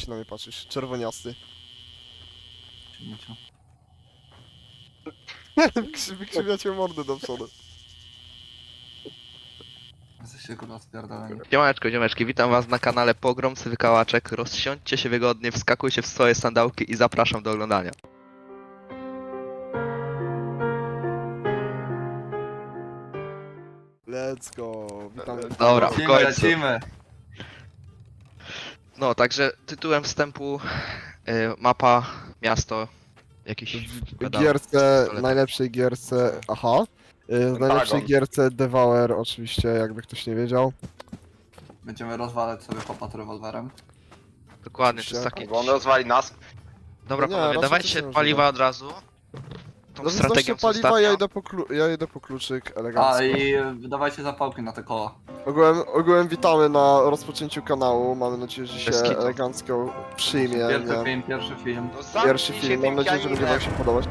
się na mnie patrzysz? Czerwoniasty. Wykrzywiacie mordę do przodu. Jesteście kurwa spierdoleni. Siemaneczko, ziomeczki, witam was na kanale Pogromcy Wykałaczek. Rozsiądźcie się wygodnie, wskakujcie w swoje sandałki i zapraszam do oglądania. Let's go. Witamy. Dobra, w Lecimy, końcu. lecimy. No, także tytułem wstępu mapa, miasto, jakiś... W wiadomo, gierce, pistolet. najlepszej gierce, aha. W najlepszej gierce Devour oczywiście, jakby ktoś nie wiedział. Będziemy rozwalać sobie chłopa rewolwerem. Dokładnie, to jest taki... Bo on rozwali nas. Dobra Nie, panowie, raczej dawajcie to się nie paliwa używa. od razu. Tą No strategią strategią co paliwa, ostatnio. ja idę po kluczyk elegancko. A i dawajcie zapałki na te koła. Ogółem witamy na rozpoczęciu kanału, mamy nadzieję, że się Bez kitu. elegancko przyjmie. Pierwszy film. No zamknij Pierwszy się film, mam tym nadzieję, że będzie wam pianinem. się podobać.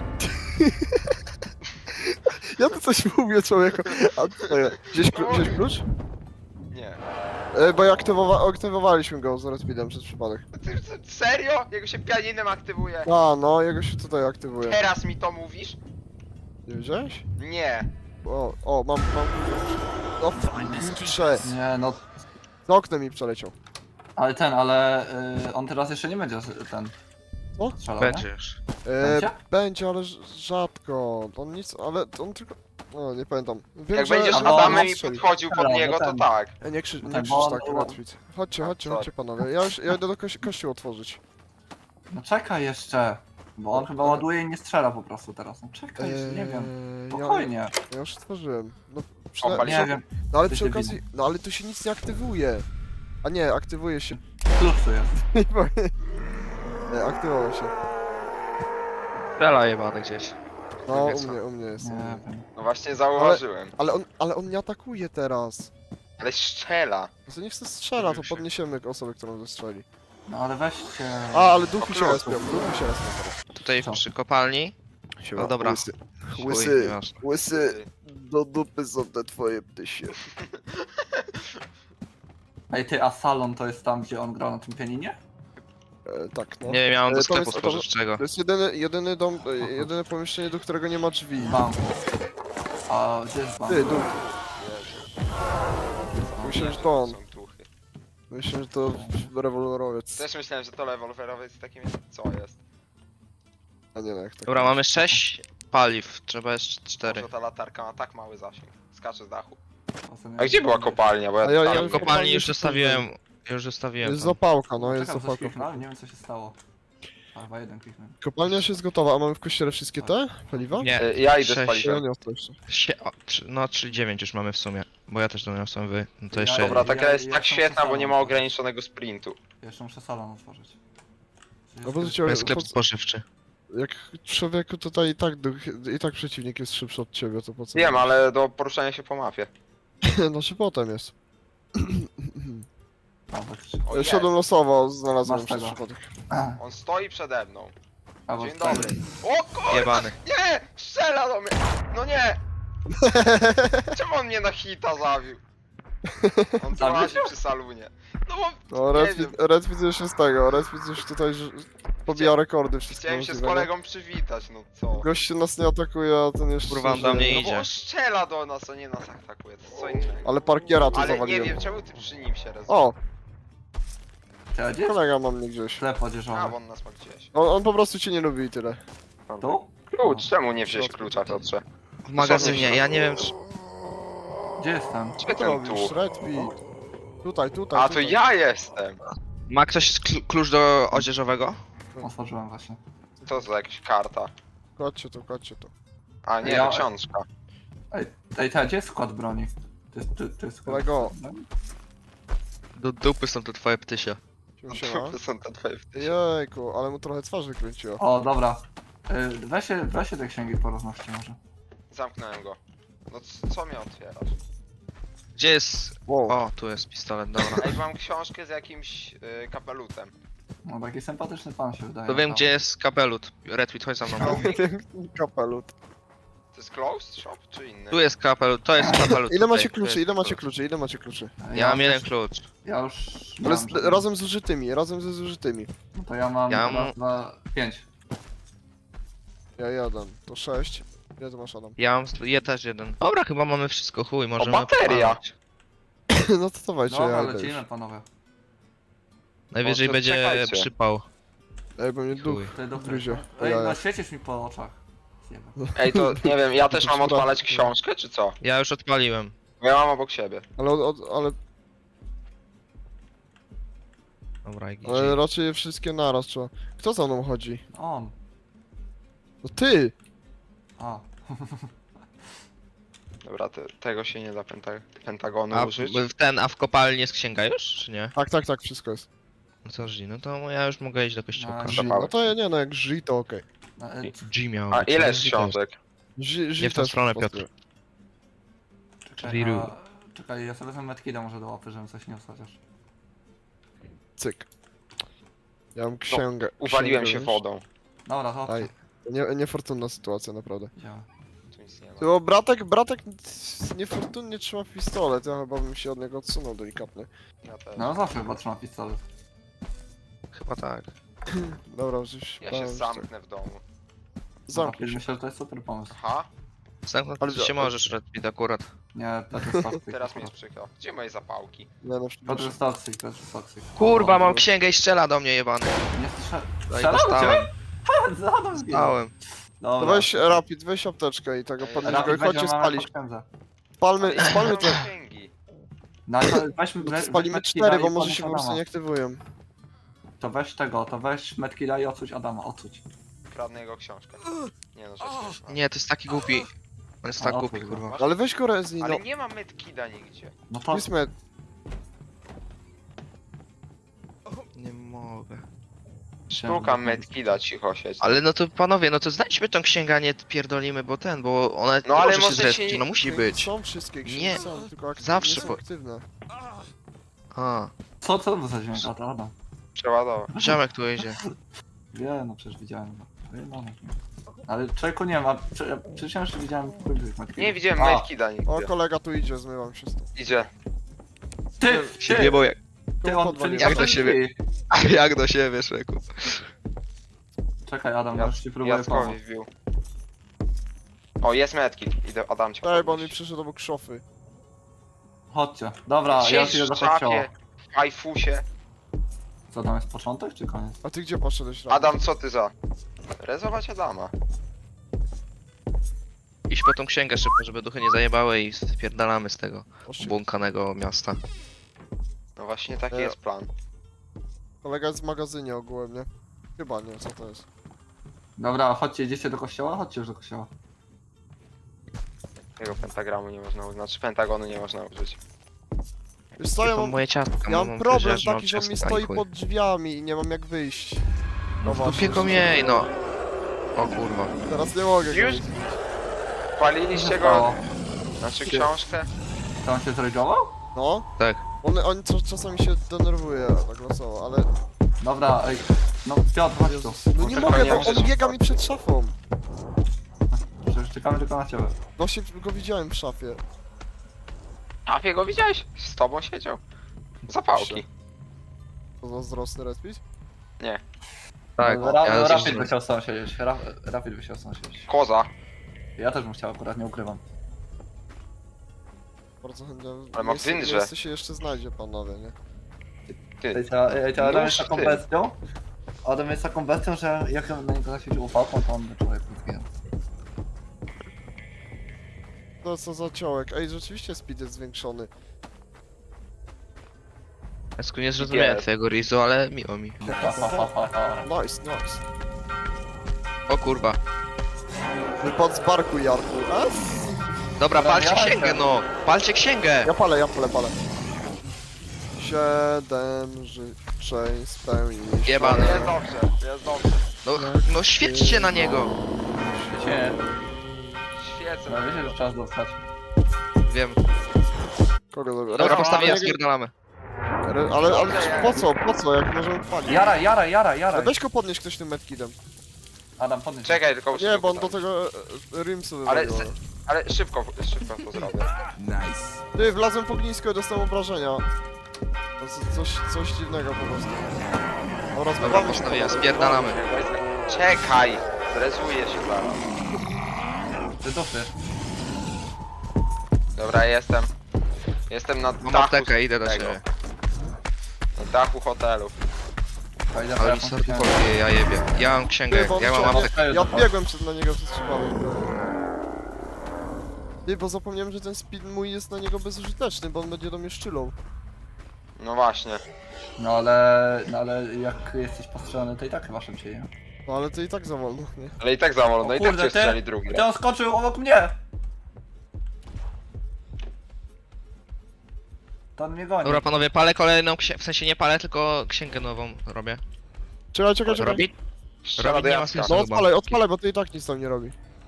Ja tu coś mówię, człowieku. A co ja? Wziąć klucz? Nie. Bo aktywowaliśmy go z Redpidem przez przypadek. Serio? Jego się pianinem aktywuje. A, no, jego się tutaj aktywuje. Teraz mi to mówisz? Nie wiedziałeś? Nie. Mam. No, kurczę. Nie no, Z oknem mi przeleciał. ale on teraz jeszcze nie będzie ten. Co? Strzelał, Będzie nie? już. Będzie? Będzie, ale rzadko. On nic, ale on tylko... No, nie pamiętam. Wiem, Jak że- będziesz no, Adamem i strzeli. podchodził pod Dobra, niego, to ten. tak. Nie krzycz Tak, bo on- tak, Redpid. Chodźcie sorry. panowie. Ja idę do kościół otworzyć. No czekaj jeszcze. Bo on chyba ładuje i nie strzela po prostu teraz. No czekaj, jeszcze nie wiem. Spokojnie. Ja już otworzyłem. No, Opali- Nie wiem, no ale ty przy się okazji... No ale tu się nic nie aktywuje. A nie, aktywuje się. klucz tu jest. Nie, aktywował się. Strzela jebany gdzieś. No, Nie wiem, u mnie jest. Nie wiem. No właśnie zauważyłem. Ale on nie atakuje teraz. Ale strzela. No to niech se strzela, to podniesiemy osobę, którą zestrzeli. No ale weźcie. A, ale duchy O, się klucz. respią, duchy się respią teraz. Tutaj Co? przy kopalni. No dobra. Łysy. Chuj, Łysy, nieważne. łysy, do dupy są te twoje ptysie. Ej ty, a salon to jest tam, gdzie on grał na tym pianinie? Tak, no. Nie wiem, ja mam do To sklepu jest- spożywczego. To jest jedyny dom, jedyne pomieszczenie, do którego nie ma drzwi. Bank. A gdzie jest bank? Ty, duch. Myślę, że to on. Są tuchy. Myślę, że to rewolwerowiec. Też myślałem, że to rewolwerowy jest takim... Co jest? A nie, no jak tak. Dobra, mamy 6 paliw, trzeba jeszcze 4. Może ta latarka ma tak mały zasięg. Skacze z dachu. Czasem A gdzie była kopalnia? Bo ja A ja- tam... ja- W kopalni już kopalni zostawiłem. Już zostawiłem. Jest tam. zapałka, no jest Czekam, coś zapałka. kliknąłem, nie wiem co się stało. A, chyba jeden kliknąłem. Kopalnia się jest gotowa, a mamy w kościele wszystkie te paliwa? Nie, Ja idę z 6. Ja paliwem. nie mam to jeszcze. No 3,9 już mamy w sumie. Bo ja też doniosłem wy. No to Ja- jeszcze. Dobra, jeden. taka jest ja tak są świetna, bo nie ma przesadne. ograniczonego sprintu. Jeszcze muszę salon otworzyć. No bo To życie, jest sklep spożywczy. jak człowieku tutaj i tak przeciwnik jest szybszy od ciebie, to po co? Wiem, ale do poruszania się po mapie. Znaczy potem jest. O, jest. Szedłem losowo, znalazłem Masz przez tego. przypadek. On stoi przede mną. Albo Dzień dobry. O kurwa! Jebany. Nie! Strzela do mnie! No nie! Czemu on mnie na hita zawił? On tu Zawił łazi cię? przy salunie. No bo No, nie wiem. Redfit już jest tego, Redfit już tutaj pobija rekordy wszystkie Chciałem się z możliwe, kolegą przywitać, no co? no. Gość się nas nie atakuje, a ten jeszcze Kurwa, on żyje. do mnie No idzie. bo on strzela do nas, a nie nas atakuje, to jest co innego. Ale parkiera to Ale nie zawaliłem. wiem, czemu ty przy nim się rezerwujesz? O, Gdzie jest kolega ma mnie gdzieś. sklep A, bo odzieżowy? on nas ma gdzieś. On po prostu cię nie lubi i tyle. Tu? Klucz, czemu nie wziąć klucza, Piotrze? W magazynie, ja nie wiem czy... Gdzie jestem? Gdzie Co ten robisz, tu? Redfit? Tutaj. A, to tutaj. ja jestem! Ma ktoś klucz do odzieżowego? Otworzyłem właśnie. Co za jakaś karta? Chodźcie tu. A, nie, Ja- to książka. Ej, gdzie jest skład broni? To jest skład Kolego. broni? Do dupy są to twoje ptysie. Siema. To są te twoje wtysie. Jejku, ale mu trochę twarzy kręciło. O, dobra. Weźcie te księgi porozmawiajcie może. Zamknąłem go. No co mnie otwierasz? Gdzie jest... Wow. O, tu jest pistolet, dobra. Ej, mam książkę z jakimś kapelutem. No taki sympatyczny pan się wydaje. To wiem tam. gdzie jest kapelut. Redfit, chodź za mną. No. Piękny kapelut. To jest closed shop czy inny? Tu jest kapel, to jest kapel. Ile macie tutaj, kluczy, to ile jest macie kluczy, ile macie kluczy? Ja mam jeden klucz. Ja już... Ale mam, z, żeby- razem z użytymi, razem ze zużytymi. No to ja mam Ja raz, mam- dwa, 5. Ja jeden, to 6. Ile to masz, Adam? Ja mam też jeden. Dobra, chyba mamy wszystko, chuj, możemy... bateria! odpalać. No to dawajcie, Dobra, ja idę lecimy już. panowie. Najwyżej to będzie czekajcie. przypał. Ej, bo mnie duch Chuj. Ty doktor. gryzie. Ej, Ja, no ja. świecisz mi po oczach. Zjebę. Ej, to nie wiem, ja też To mam szkoda. odpalać książkę, czy co? Ja już odpaliłem. Bo ja mam obok siebie. Ale Dobra, Ale raczej je wszystkie naraz trzeba. Kto za mną chodzi? On. No ty! A. Dobra, tego się nie da pentagonu A użyć. a w kopalni jest księga już, czy nie? Tak, wszystko jest. No co G, no to ja już mogę iść do kościoła. No, G, no to ja nie, no jak G to okej. No, G miał A być, ile no, jest G to książek? Nie w tą stronę, Piotr. czekaj, Wiru. czekaj, ja sobie wezmę medkida może do łapy, żebym coś nie chociaż. Cyk. Ja mam księgę. Uwaliłem księgę się już. wodą. Dobra, to Aj. Niefortunna sytuacja, naprawdę. działa. Tu nic nie ma. Bo bratek niefortunnie trzyma pistolet, ja chyba bym się od niego odsunął delikatnie. Ja też. No zawsze chyba trzyma pistolet. Chyba tak. Dobra, już Ja się zamknę w domu. Zamknij się. Myślę, że to jest super pomysł. Aha, Zamknąć Ale- się możesz, Redbit, akurat. Nie, to jest toxic. teraz mnie jest przykro. Gdzie moje zapałki? Nie, no, To jest toxic, to jest toxic. Kurwa, O, mam no. księgę i strzela do mnie jebany. Nie strzelał. No i Strzelał dostałem. cię? Zadam zginął. Dostałem. To Dobra. weź Rapid, weź apteczkę i tego Ej, podnieś Rapid go i chodźcie będzie, mamy spalić. po księdze. Spalmy Ale to. nie mam księgi. No, to weźmy, No to weź spalimy medkida 4, i bo może podnieś się po prostu Adama. nie aktywują. To weź tego, to weź medkida i odsuć Adama, odsuć. Kradnę jego książkę. Nie no, rzecz nie. Nie, to jest taki głupi. On jest tak A, głupi, otwórz go. kurwa. Ale weź go Rezi, no. Ale nie ma medkida nigdzie. No to... Powiedzmy, Nie mogę. Szukam medkida, cicho siedź. Ale no to panowie, no to znajdźmy tą księgę, a nie pierdolimy, bo bo ona No ale może się może zrespić, się- no musi być. Są wszystkie księgi, Nie, są, tylko zawsze nie są po- aktywne. A, Co to za dźwięk? A to Adam. Przeładować. ziomek tu jedzie. Wie, no przecież widziałem go. No. Ale człowieku nie ma, przecież ja jeszcze widziałem w tych medkidów. Nie widziałem A, medkida O, nigdzie. kolega tu idzie, zmywam się stąd. Idzie. Ty, Się ty, wjebał jak, ty, on podwalił. przenika Jak do siebie. drzwi. jak do siebie, Szreku. Czekaj Adam, ja już ci próbuję Jackowi pomóc. wbił. O, jest medkit. Idę, Adam cię Daj, bo on mi podnieść. przyszedł obok szofy. Chodźcie. Dobra, ja już Siedź idę w do kościoła. szafie, w ajfusie. Co tam jest początek czy koniec? A ty gdzie poszedłeś, Rapid? Adam, co ty za? Rezować Adama. Iść po tą księgę szybko, żeby duchy nie zajebały i spierdalamy z tego Oszczy. obłąkanego miasta. No właśnie taki E. jest plan. Kolega jest w magazynie ogółem, nie? Chyba nie, co to jest? Dobra, chodźcie, idziecie do kościoła? Chodźcie już do kościoła. Tego pentagramu nie można użyć, znaczy pentagonu nie można użyć. Wiesz co, ja To mam, moje ciastka, ja mam mam problem powiedzieć, taki, że on mi ciastka i stoi chuj. pod drzwiami i nie mam jak wyjść. No właśnie, w dupie go że- miej, no. O kurwa. Teraz nie mogę go Już? widzieć. Paliliście go? Znaczy książkę? To on się zregował? No, Tak. on czasami się denerwuje tak losowo, ale... Dobra, ej. No Piotr, chodź tu. Jezus. No nie tylko mogę, nie bo możesz on biega wchodzić. mi przed szafą. Przecież czekamy tylko na ciebie. Właśnie go widziałem w szafie. A go widziałeś? Z tobą siedział? Zapałki. To zazdrosny respit? Tak, No, ja Rapid też- by chciał sam siedzieć. Rapid by chciał sam siedzieć. Koza. Ja też bym chciał, akurat nie ukrywam. Bardzo chętnie. Ale ma miejsce- wędrze. miejsce się jeszcze znajdzie, panowie, nie? Ty. Ej, Adam jest Nóż taką ty. bestią. Adam jest taką bestią, że jak on na niego zasiedzi ufałką, to on by człowiek zginął. No co za ciołek. Ej, rzeczywiście speed jest zwiększony. Esku, nie zrozumiałem Jest. twojego rizu, ale miło mi. Nice, nice. O kurwa. Wypad z barku, Jarku. A? Dobra, Dobra, palcie ja księgę, lecę. no! Palcie księgę! Ja palę. 7 życzeń spełnić. Jebany. Jest dobrze, jest dobrze. No świećcie na niego! Wiecie, Świecę. no wiecie, że czas dostać. Wiem. Kogo dobra? Dobra, Dobra, postawię, ale- spierdalamy. Ale po co, jak możemy palić? Jara! Ale weź go podnieść ktoś tym medkidem. Adam, podnieś. Czekaj, tylko muszę Nie, bo on do pytać. tego Rimsu Ale, wywaliło. ale szybko to zrobię. Ty, wlazłem w ognisko i dostałem obrażenia. Coś dziwnego po prostu. Dobra, Dobra, zbywamy się. postawiłem, spierdalamy. Czekaj! Stresuję się zaraz. Ty dupy. Dobra, jestem. Jestem na Mam dachu aptekę, idę do tego. ciebie. Na dachu hotelu. Fajnie, Ale mi serdu poluje, ja jebie. Ja mam księgę, Ty, bo on ja mam chciał- aptekę. Ja biegłem na niego przez przypadek. Ty, bo zapomniałem, że ten speed mój jest na niego bezużyteczny, bo on będzie do mnie szczylą. No właśnie. No ale jak jesteś postrzelony, to i tak chyba szybciej, nie? No ale to i tak za wolno, nie? Ale i tak za wolno, O i tak kurde, cię strzeli drugi Ty raz. on skoczył obok mnie! To on mnie goni. Dobra panowie, palę kolejną księgę, w sensie nie palę, tylko księgę nową robię. Czekaj. Robi? Strzela Robi do nie ma Jacka. sensu. No chyba. odpalaj, bo to i tak nic tam nie robi.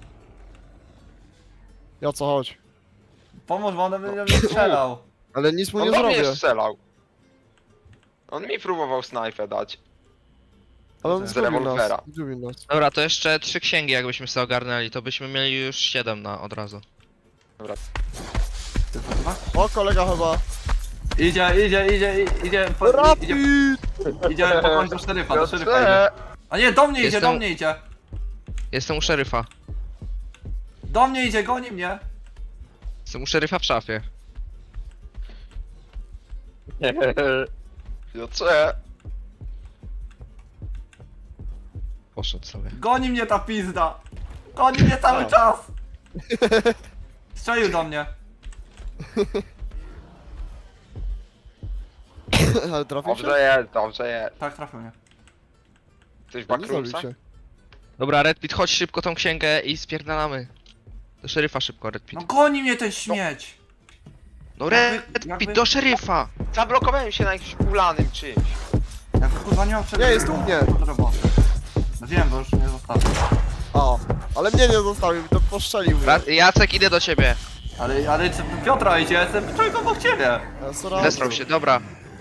Ja co, chodź. Pomóż, bo on będzie mnie strzelał. Ale nic mu On nie do mnie zrobię. strzelał. On mi próbował snajpę dać. Ale on Z zgubił nas. rewolwera. Zgubił nas. Dobra, to jeszcze 3 księgi jakbyśmy sobie ogarnęli, to byśmy mieli już 7 na od razu. Dobra. Ty kurwa? O, kolega chyba. Idzie Rapid! idzie pokończyć do szeryfa, do szeryfa idzie. Piotrze! A nie, do mnie idzie, Jestem- do mnie idzie. Jestem u szeryfa. Do mnie idzie, goni mnie. Jestem u szeryfa w szafie. Piotrze! Poszedł sobie. Goni mnie ta pizda. Goni mnie cały czas. Strzelił do mnie. Ale trafił się? Dobrze jest. Tak, trafił mnie. Coś w Nie zabił backroomsach? się. Dobra, Redpit, chodź szybko tą księgę i spierdalamy. Do szeryfa szybko, Redpit. No goni mnie ten śmieć. No jakby- Redpit, do szeryfa! Zablokowałem się na jakimś ulanym czymś. Ja kurwa nie mam czego. Nie, jest u mnie. No wiem, bo już mnie zostawił. A, ale mnie nie zostawił, to poszczelił mnie. Jacek, idę do ciebie. Ale Piotra idzie, jestem człowiek obok ciebie. Ja sorry. Zesrał się, dobra.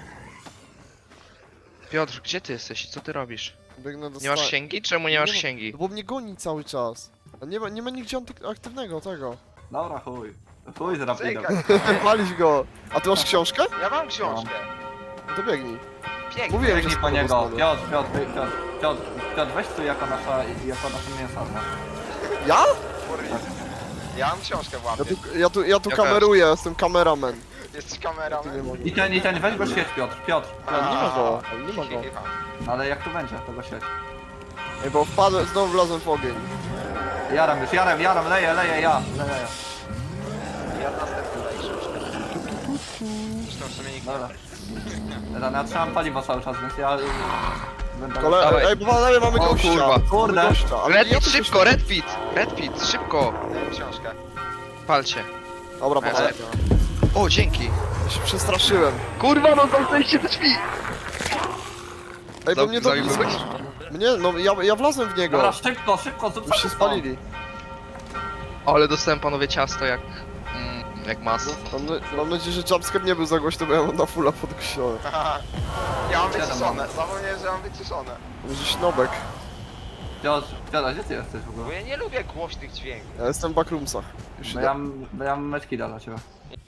Piotr, gdzie ty jesteś? Co ty robisz? Biegnę do Nie masz sta- księgi? Czemu nie masz Nie ma- księgi? Bo mnie goni cały czas. A nie ma nigdzie aktywnego tego. Dobra, chuj. Chuj z rapidem. Czekaj, Walić go. A ty masz książkę? ja mam książkę. No to biegnij. Pięknie. Mówiłem, że Biegnij po spadł niego. spadł. Piotr, weź tu jako nasze mięso. Ja? Ja mam książkę w łapie. Ja tu Ja kameruję, jestem kameraman. Jesteś Ja tu nie kameraman? mogę. I ten, weź go świeć, Piotr. Nie ma go, nie ma go. Ale jak tu będzie, to go świeć. Ej, bo wpadłem, znowu wlazłem w ogień. Jaram, leję, ja. Ja następny daję książkę. Zresztą w sumie nikt Dobra. Ja trzymam paliwo cały czas, więc ja... Będę... Dawaj. Ej, bo panowie mamy O gościa. kurwa. Kurde. Mamy gościa, ale ja Redpit, tu szybko, się- Redpit, szybko! daję książkę. Palcie. Dobra, Ja panowie. O, dzięki. Ja się przestraszyłem. Kurwa, no zamknęliście te drzwi! Ej, bo mnie dobił. Zabiłeś? Mnie, no ja wlazłem w niego. Dobra, szybko, zrób Już się szybko. spalili. Ale dostałem panowie ciasto jak... jak mas. Mam nadzieję, że jumpscare nie był za głośno, bo ja mam na fulla podgłośnione. Ja mam Siadam, wyciszone. Zapomniałem, że mam wyciszone. Będzie śnobek. Piotr, gdzie ty jesteś w Bo ogóle? ja nie lubię głośnych dźwięków. Ja jestem w backroomsach. Już idę. Bo ja mam meczkida dla ciebie.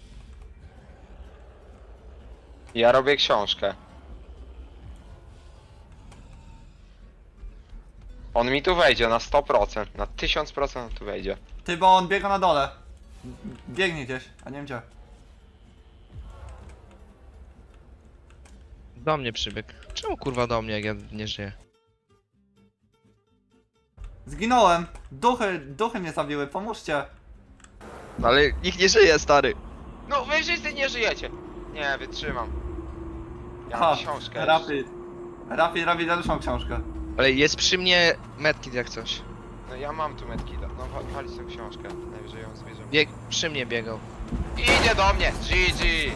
Ja robię książkę. On mi tu wejdzie na 100%, na 1000% on tu wejdzie. Ty, bo on biega na dole. Biegnie gdzieś, a nie wiem gdzie. Do mnie przybiegł. Czemu kurwa do mnie, jak ja nie żyję? Zginąłem! Duchy mnie zabiły, pomóżcie! No ale nikt nie żyje, stary. No wy wszyscy nie żyjecie! Nie, wytrzymam. Ja Ha, mam książkę jeszcze. Rapid dalszą książkę. Ale jest przy mnie medkit jak coś. No ja mam tu medkita. No walić tę książkę. Najwyżej ją zbierzemy. Przy mnie biegał. Idzie do mnie! GG!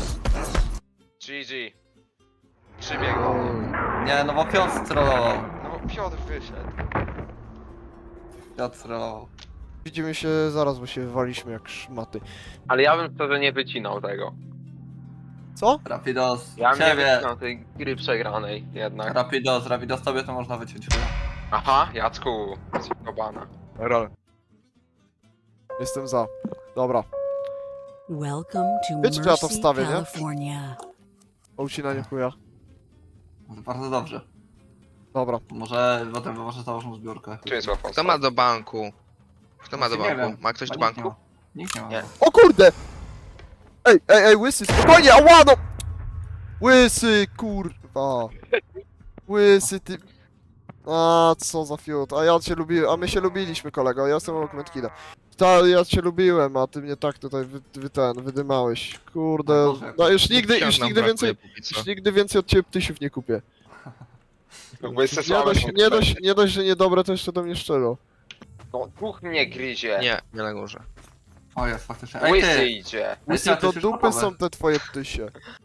GG. Przybiegł do mnie. Nie, no bo Piotr strollował. No bo Piotr wyszedł. Piotr strollował. Widzimy się zaraz, bo się wywaliśmy jak szmaty. Ale ja bym szczerze nie wycinał tego. Co? Rapidos, Ja bym nie ciebie. wycinał tej gry przegranej jednak. Rapidos, tobie to można wyciąć chyba. Aha, Jacku, zjebana. Rol. Jestem za. Dobra. Welcome to Wiecie, że ja to Mercy, wstawię, nie? California. O ucinanie chuja. Bardzo dobrze. Dobra. Może potem może założą zbiórkę. Tu jest łatwo. Kto ma do banku? Kto ma do Właśnie nie banku? wiem. Ma ktoś do Chyba nikt nie banku? ma. Nikt nie ma. Nie. O kurde! Ej, łysy, spokojnie, ała no! Łysy, kurwa. Łysy, ty... A, co za fiut. A ja cię lubiłem, a my się lubiliśmy, kolego. Ja jestem obok kida. Ja cię lubiłem, a ty mnie tak tutaj wydymałeś. Kurde. No Boże, jak- No już nigdy Książ nam więcej... brakuje póki co. Już nigdy więcej od ciebie ptysiów nie kupię. Łysy Nie słabe dość, są nie dość, że niedobre, to jeszcze do mnie szczero. No, duch mnie gryzie. Nie na górze. O jest faktycznie. Ej Łysy ty! idzie. Łysy, ty do jesteś dupy gotowy. są te twoje ptysie.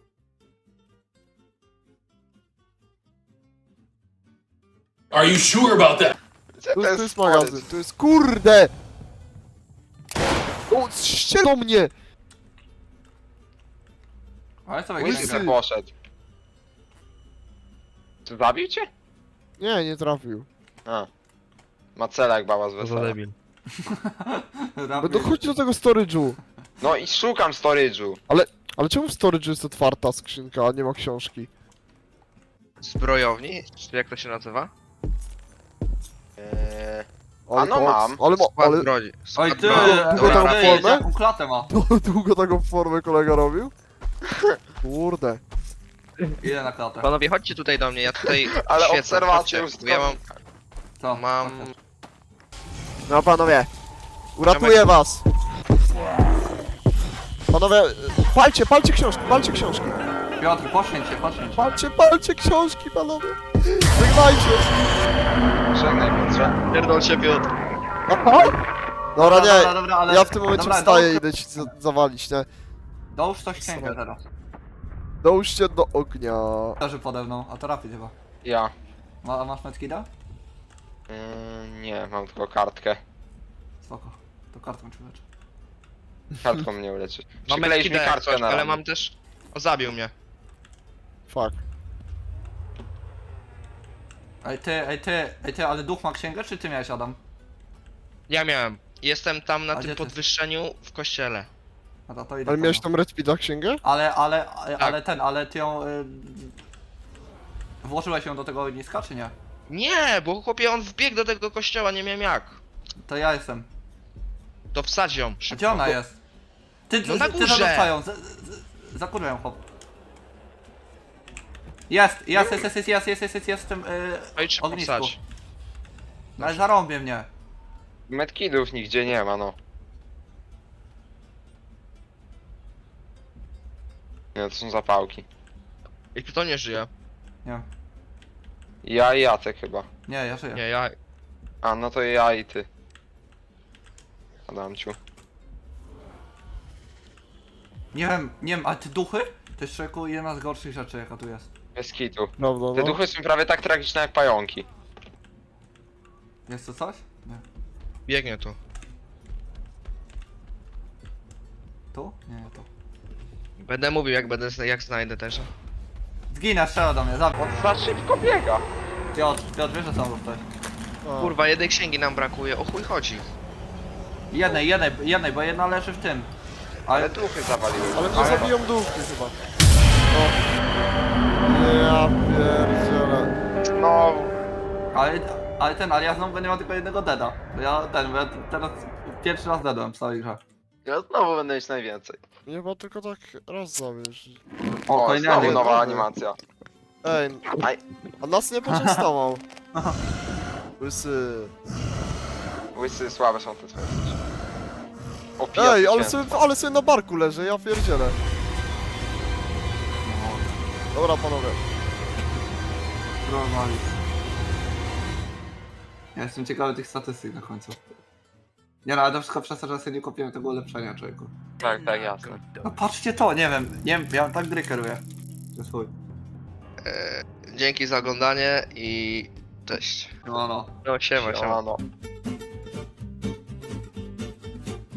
Are you sure about that? Gdzie Tu ten jest stolec? magazyn, tu jest... Kurde! O, strzel do mnie! Ale co Łysy Łysy. se poszedł. Czy zabił cię? Nie, nie trafił. A. Ma cela jak baba z wesela. Będę chodź do tego storage'u. No i szukam storage'u. Ale czemu w storage'u jest otwarta skrzynka, a nie ma książki? Zbrojowni? Czy jak to się nazywa? Ale A no koks, mam. Ale Skład ale broni. Oj Skład ty! broni. Długo Dobra, tam wracaj. formę? Jaką klatę ma? długo taką formę kolega robił? Kurde. Ile na klatę? Panowie, chodźcie tutaj do mnie, ja tutaj Ale świecę, obserwację chodźcie, już bo ja mam, Co? mam... No panowie, uratuję was. Panowie, palcie książki. Piotr, poświęć się. Palcie książki, panowie. Żegnajcie. Żegnaj Piotrze. Pierdol się, Piotr. Dobra, nie, dobra, ale... ja w tym momencie dobra, wstaję i idę ci zawalić, nie? Dołóż coś księgę teraz. Dołóżcie do ognia. Leży pode mną, a to Rapid chyba. Ja. Masz medkida? Nie, mam tylko kartkę. Spoko. To kartą ci leczę. Kartką mnie uleczy. Mam Przykleisz mi ekipę kartkę coś, na ale ramię. mam też... O, zabił mnie. Fuck. Ej ty, ale duch ma księgę, czy ty miałeś, Adam? Ja miałem. Jestem tam na A gdzie tym ty? podwyższeniu w kościele. No to idę Ale po miałeś nią. tam Red Speeda księgę? Ale ty ją... Włożyłeś ją do tego ogniska, czy nie? Nie, bo chłopie, on wbiegł do tego kościoła, nie miałem jak. To ja jestem. To wsadź ją, A szybko. gdzie ona jest? Ty, No na ty górze. zarzucają, zakurwę ją, chłop. Jest w tym No i szybko ognisku. wsadź. Ale zarąbie mnie. Medkidów nigdzie nie ma, no. Nie, to są zapałki. I kto nie żyje? Nie, Ja i Jacek chyba. nie, ja żyję. Nie, ja... A, no to ja i ty. Adamciu. Nie wiem, ale te duchy? To jest człowieku jedna z gorszych rzeczy, jaka tu jest. Bez kitu. Prawda, Te no. duchy są prawie tak tragiczne jak pająki. Jest to coś? Nie. Biegnie tu. Tu? Nie, nie tu. Będę mówił, jak znajdę też. Zginę, strzela do mnie, zabij. On za szybko biega. Piotr, wiesz, że są tu ktoś. A. Kurwa, jednej księgi nam brakuje, o chuj chodzi. Jednej, bo jedna leży w tym. Ale duchy zawaliły. Ale mnie zabiją duchy chyba. O. Ja pierdzielę. No, Ale ja znowu będę miał tylko jednego deada. Bo ja teraz pierwszy raz deadłem w całej grze. ja znowu będę mieć najwięcej. Nie, bo tylko tak raz zabierz. O, kolejny znowu alien. nowa animacja. Ej, Aj. a nas nie poczęstował. Łysy. Łysy słabe są te twoje rzeczy. O, Ej, ale pies, ale sobie na barku leży, ja pierdzielę. Dobra, panowie. Normalnie. Ja jestem ciekawy tych statystyk na końcu. Nie no, ale to wszystko przez to, że sobie nie kupiłem tego ulepszenia, człowieku. Tak, tak, jasne. No patrzcie to, nie wiem, ja tak gry kieruję. To jest chuj. Dzięki za oglądanie i... Cześć. No. No, siema. Siemano.